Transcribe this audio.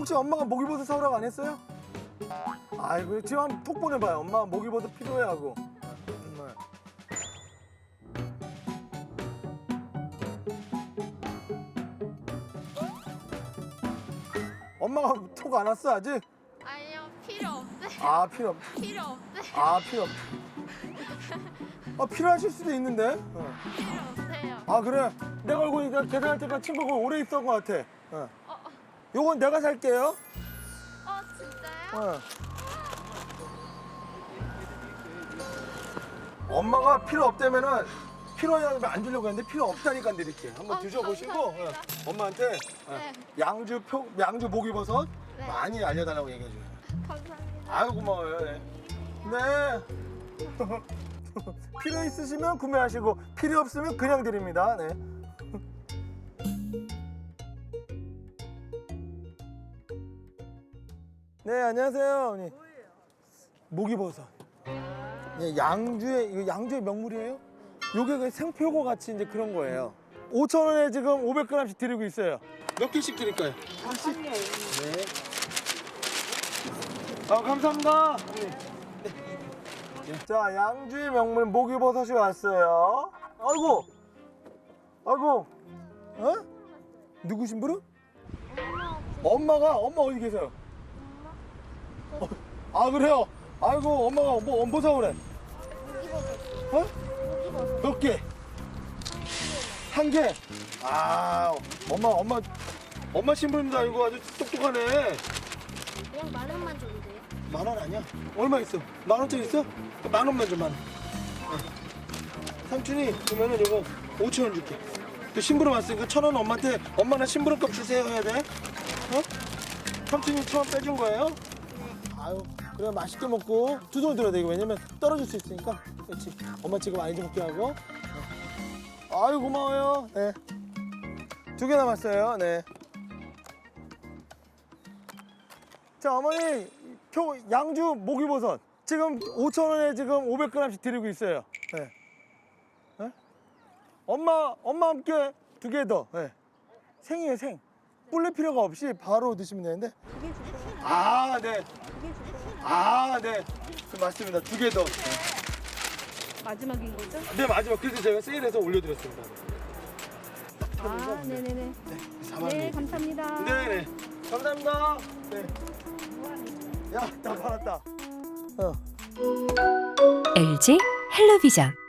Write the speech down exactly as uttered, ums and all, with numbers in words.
혹시 엄마가 목이버섯 사오라고 안 했어요? 아이고 지금 한번 톡 보내봐요. 엄마 목이버섯 필요해 하고. 정말. 엄마가 톡 안 왔어 아직? 아니요, 필요 없대. 아 필요 없. 필요 없대. 아 필요 없. 아 필요하실 수도 있는데. 어. 필요 없대요. 아 그래? 내가 알고 보니까 계산할 때까지 친구가 오래 있었던 것 같아. 어. 어, 어, 요건 내가 살게요. 어, 진짜요? 어. 엄마가 필요 없다면은 필요하면 안 주려고 했는데 필요 없다니까 드릴게. 한번 어, 드셔보시고 감사합니다. 어, 엄마한테 어, 네. 양주 표 양주 목이버섯 네. 많이 알려달라고 얘기해 줘요. 감사합니다. 아유 고마워요. 네. 네. 필요 있으시면 구매하시고 필요 없으면 그냥 드립니다. 네. 네 안녕하세요 어머니. 목이버섯. 예, 양주의 이거 양주의 명물이에요? 요게 그 생표고 같이 이제 그런 거예요. 오천 원에 지금 오백 그램씩 드리고 있어요. 몇 개씩 드릴까요? 하나씩. 네. 아 감사합니다. 네. 네. 자 양주의 명물 목이버섯이 왔어요. 아이고, 아이고, 어? 누구신 분은? 엄마가 엄마 어디 계세요? 어, 아 그래요? 아이고 엄마가 뭐 엄보 사오래. 어? 몇 개? 한 개? 아 엄마 엄마 엄마 신부님도 아니고 아주 똑똑하네. 그냥 만 원만 줘도 돼요? 만 원 아니야? 얼마 있어? 만 원짜리 있어? 만 원만 줘 만 원. 어. 삼촌이 그러면은 이거 오천 원 줄게. 또 심부름 왔으니까 천 원 엄마한테 엄마나 심부름값 주세요 해야 돼. 어? 삼촌이 천 원 빼준 거예요? 아유 그래 맛있게 먹고 두 손 들어야 돼 이거 왜냐면 떨어질 수 있으니까. 그렇지. 엄마 지금 많이 좀 먹게 하고. 어. 아유 고마워요. 네. 두 개 남았어요. 네. 자 어머니 표 양주 목이버섯 지금 오천 원에 지금 오백 그램씩 드리고 있어요. 네. 네? 엄마 엄마 함께 두 개 더. 네. 생이에요 생. 불릴 필요가 없이 바로 드시면 되는데. 두 개 주세요. 아 네. 두 개 주세요. 아 네. 맞습니다. 두 개 더. 마지막인 거죠? 네 마지막 그래서 제가 세일해서 올려드렸습니다. 아, 네네네. 네. 사만 네, 원. 감사합니다. 네네. 감사합니다. 네. 야, 다 팔았다. 어. 엘지 헬로비전